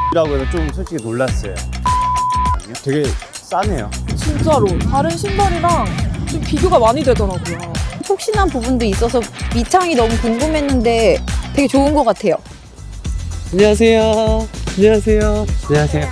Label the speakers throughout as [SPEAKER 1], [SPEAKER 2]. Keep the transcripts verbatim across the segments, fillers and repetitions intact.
[SPEAKER 1] 라고 해서 좀 솔직히 놀랐어요. 되게 싸네요.
[SPEAKER 2] 진짜로 다른 신발이랑 좀 비교가 많이 되더라고요.
[SPEAKER 3] 폭신한 부분도 있어서 밑창이 너무 궁금했는데 되게 좋은 것 같아요.
[SPEAKER 4] 안녕하세요. 안녕하세요. 안녕하세요.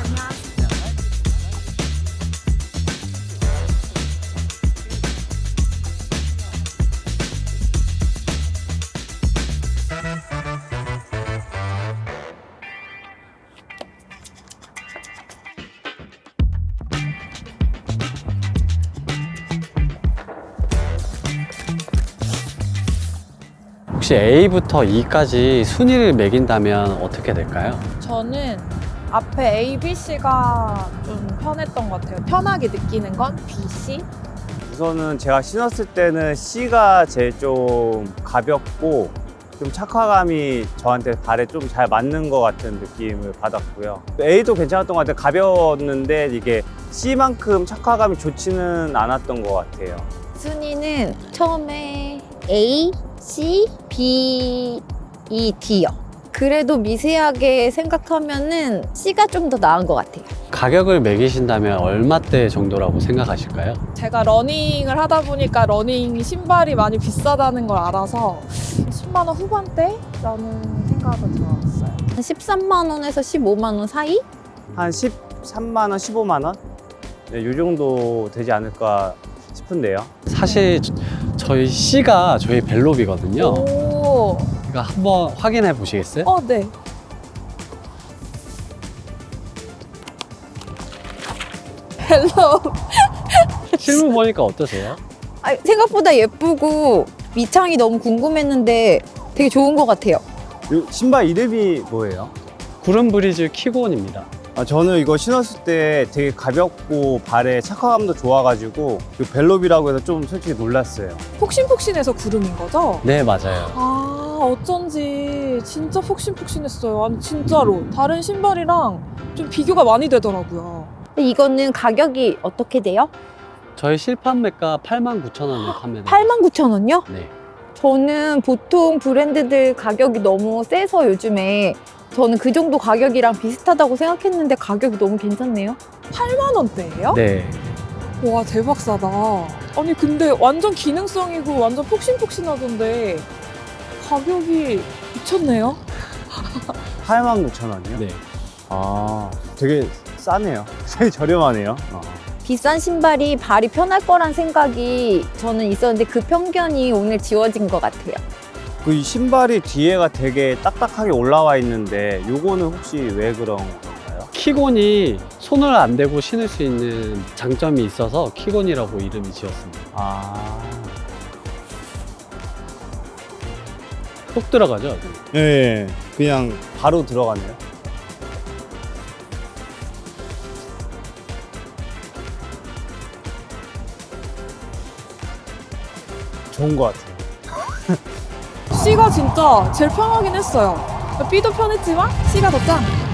[SPEAKER 4] 혹시 A부터 E까지 순위를 매긴다면 어떻게 될까요?
[SPEAKER 2] 저는 앞에 A, B, C가 좀 편했던 것 같아요. 편하게 느끼는 건 B, C.
[SPEAKER 1] 우선은 제가 신었을 때는 C가 제일 좀 가볍고 좀 착화감이 저한테 발에 좀 잘 맞는 것 같은 느낌을 받았고요. A도 괜찮았던 것 같아요. 가벼웠는데 이게 C만큼 착화감이 좋지는 않았던 것 같아요.
[SPEAKER 3] 순위는 처음에 A, C, B, E, D요. 그래도 미세하게 생각하면은 C가 좀 더 나은 것 같아요.
[SPEAKER 4] 가격을 매기신다면 얼마대 정도라고 생각하실까요?
[SPEAKER 2] 제가 러닝을 하다 보니까 러닝 신발이 많이 비싸다는 걸 알아서 십만 원 후반대라는 생각을 들어봤어요.
[SPEAKER 3] 한 십삼만 원에서 십오만 원 사이?
[SPEAKER 1] 한 십삼만 원, 십오만 원? 네, 이 정도 되지 않을까 싶은데요.
[SPEAKER 4] 사실 저희 C가 저희 벨롭이거든요.
[SPEAKER 2] 오,
[SPEAKER 4] 그러니까 한번 확인해 보시겠어요?
[SPEAKER 2] 어, 네. 헬로.
[SPEAKER 4] 실물 보니까 어떠세요?
[SPEAKER 3] 아, 생각보다 예쁘고 밑창이 너무 궁금했는데 되게 좋은 것 같아요.
[SPEAKER 1] 이 신발 이름이 뭐예요?
[SPEAKER 4] 구름 브리즈 키곤입니다.
[SPEAKER 1] 아, 저는 이거 신었을 때 되게 가볍고 발에 착화감도 좋아가지고 이 벨롭이라고 해서 좀 솔직히 놀랐어요.
[SPEAKER 2] 폭신폭신해서 구름인 거죠?
[SPEAKER 4] 네, 맞아요.
[SPEAKER 2] 아, 어쩐지 진짜 폭신폭신했어요. 아니, 진짜로. 다른 신발이랑 좀 비교가 많이 되더라고요.
[SPEAKER 3] 근데 이거는 가격이 어떻게 돼요?
[SPEAKER 4] 저희 실판매가 팔만 구천 원에 판매됩니다.
[SPEAKER 3] 팔만 구천 원요?
[SPEAKER 4] 네.
[SPEAKER 3] 저는 보통 브랜드들 가격이 너무 세서 요즘에 저는 그 정도 가격이랑 비슷하다고 생각했는데 가격이 너무 괜찮네요.
[SPEAKER 2] 팔만 원대예요?
[SPEAKER 4] 네.
[SPEAKER 2] 와, 대박 싸다. 아니, 근데 완전 기능성이고 완전 폭신폭신하던데 가격이 미쳤네요.
[SPEAKER 1] 팔만 구천 원이요?
[SPEAKER 4] 네.
[SPEAKER 1] 아, 되게 싸네요. 되게 저렴하네요. 어.
[SPEAKER 3] 비싼 신발이 발이 편할 거란 생각이 저는 있었는데 그 편견이 오늘 지워진 것 같아요.
[SPEAKER 1] 그 이 신발이 뒤에가 되게 딱딱하게 올라와 있는데 요거는 혹시 왜 그런 건가요?
[SPEAKER 4] 키곤이 손을 안 대고 신을 수 있는 장점이 있어서 키곤이라고 이름이 지었습니다.
[SPEAKER 1] 아,
[SPEAKER 4] 쏙 들어가죠?
[SPEAKER 1] 네, 그냥 바로 들어가네요. 좋은 것 같아요.
[SPEAKER 2] C가 진짜 제일 편하긴 했어요. B도 편했지만 C가 더 짱.